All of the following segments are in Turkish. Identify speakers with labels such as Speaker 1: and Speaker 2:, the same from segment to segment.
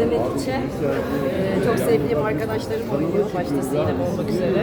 Speaker 1: yönettikçe çok sevdiğim arkadaşlarım oynuyor. Başta Sinem olmak üzere.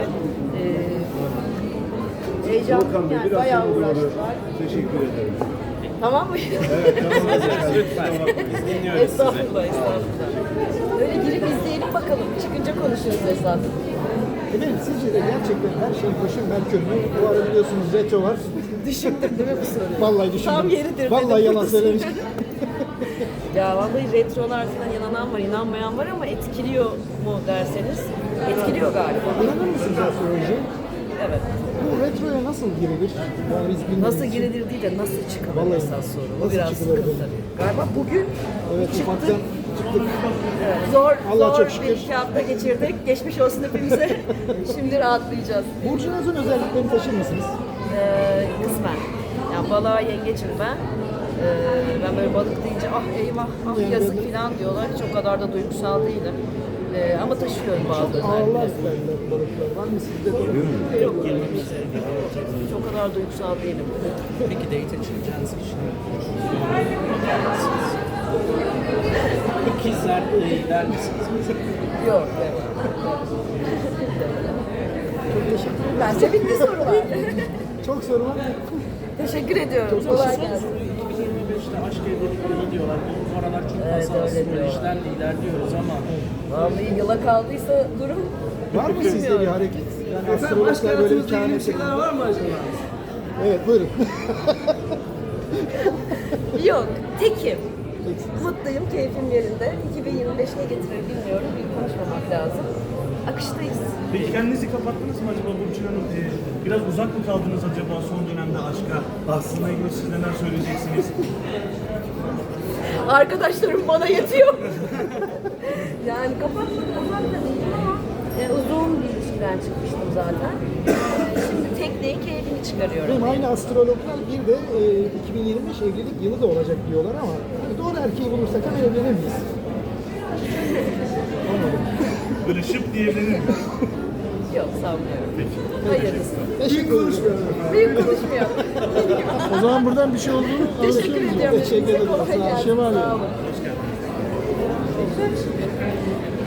Speaker 1: Heyecanlıyım yani. Bayağı uğraştılar.
Speaker 2: Teşekkür ederim.
Speaker 1: Tamam mı?
Speaker 2: Evet, tamam.
Speaker 3: Lütfen. Biz dinliyoruz sizi.
Speaker 1: Estağfurullah, estağfurullah. Öyle girip izleyelim bakalım. Çıkınca konuşuruz esas.
Speaker 4: Efendim sizce de gerçekten her şey başın Merkür mü? Bu ara biliyorsunuz retro var.
Speaker 1: Düşündüm değil mi bu soruyu?
Speaker 4: Vallahi düşündüm.
Speaker 1: Tam yeridir.
Speaker 4: Vallahi
Speaker 1: dedim,
Speaker 4: yalan
Speaker 1: burada
Speaker 4: söylemiş.
Speaker 1: Ya vallahi retrolar falan inanan var, inanmayan var ama etkiliyor mu derseniz etkiliyor galiba.
Speaker 4: İnanır mısınız astrolojiye?
Speaker 1: Evet.
Speaker 4: Bu retroya nasıl girilir? Yani biz bilmiyoruz.
Speaker 1: Nasıl girilir değil de nasıl çıkılır
Speaker 4: Vallahi
Speaker 1: esas soru. Bu
Speaker 4: nasıl
Speaker 1: biraz
Speaker 4: çıkılır
Speaker 1: sıkıntı.
Speaker 4: dedi.
Speaker 1: Galiba bugün
Speaker 4: Evet, ufaktan çıktık.
Speaker 1: evet, zor
Speaker 4: Allah'a
Speaker 1: zor
Speaker 4: çok şükür.
Speaker 1: bir iki hafta geçirdik. Geçmiş olsun hepimize. Şimdi rahatlayacağız.
Speaker 4: Burcunuzun özelliklerini taşır mısınız?
Speaker 1: Kısmen. Yani balığa yengeçim ben. Ben böyle balık deyince ah eyvah, ah yazık falan diyorlar. Hiç o kadar da duygusal değilim. Ama taşıyorum bazı
Speaker 4: Ağırlar
Speaker 1: özellikleri.
Speaker 4: derler balıklar. Var mı sizde de?
Speaker 1: Yok, hiç o kadar duygusal değilim.
Speaker 3: Peki date açılacağınız kişiler. İkizler gider misiniz?
Speaker 1: Yok, evet. Çok teşekkür ederim. Bence bitti sorular.
Speaker 4: Çok soru var.
Speaker 1: Teşekkür ediyorum. Kolay gelsin.
Speaker 3: 2025'te aşk evlilikleri diyorlar. Bu aralar çok
Speaker 1: Evet,
Speaker 3: fazla
Speaker 1: öyle diyorlar.
Speaker 3: astrolojiden de ilerliyoruz ama
Speaker 1: Vallahi yıla kaldıysa durum.
Speaker 4: Var mı sizde bir hareket? Yani astrologlar böyle bir kehanet şeyler var mı acaba? Evet, buyurun.
Speaker 1: Yok, tekim. Mutluyum, keyfim yerinde. 2025 ne getirir bilmiyorum. Bir konuşmamak lazım. Akıştayız.
Speaker 5: Peki kendinizi kapattınız mı acaba Burcu Hanım? Biraz uzak mı kaldınız acaba son dönemde aşka? Aslında ilgili siz neler söyleyeceksiniz?
Speaker 1: Arkadaşlarım bana yetiyor. Yani kapatmak uzak da değil ama uzun bir ilişkiden çıkmıştım zaten. Şimdi tekneyi keyfini çıkarıyorum.
Speaker 4: Benim aynı astrologlar bir de 2025 evlilik yılı da olacak diyorlar ama doğru erkeği bulursak hemen evlenir miyiz? Olmadı.
Speaker 5: Böyle şıp diyebilir miyim?
Speaker 1: Yok, sanmıyorum. Hayırlısı.
Speaker 4: Teşekkür ederim.
Speaker 1: Büyük konuşmuyorum.
Speaker 4: O zaman buradan bir şey olduğunu
Speaker 1: Teşekkür
Speaker 4: anlaşıyoruz.
Speaker 1: ediyorum.
Speaker 4: Teşekkür ederim.
Speaker 1: Kolay
Speaker 4: Sağ olun.
Speaker 1: gelsin.
Speaker 4: Şevval
Speaker 1: Sağ
Speaker 4: Bey.
Speaker 1: olun.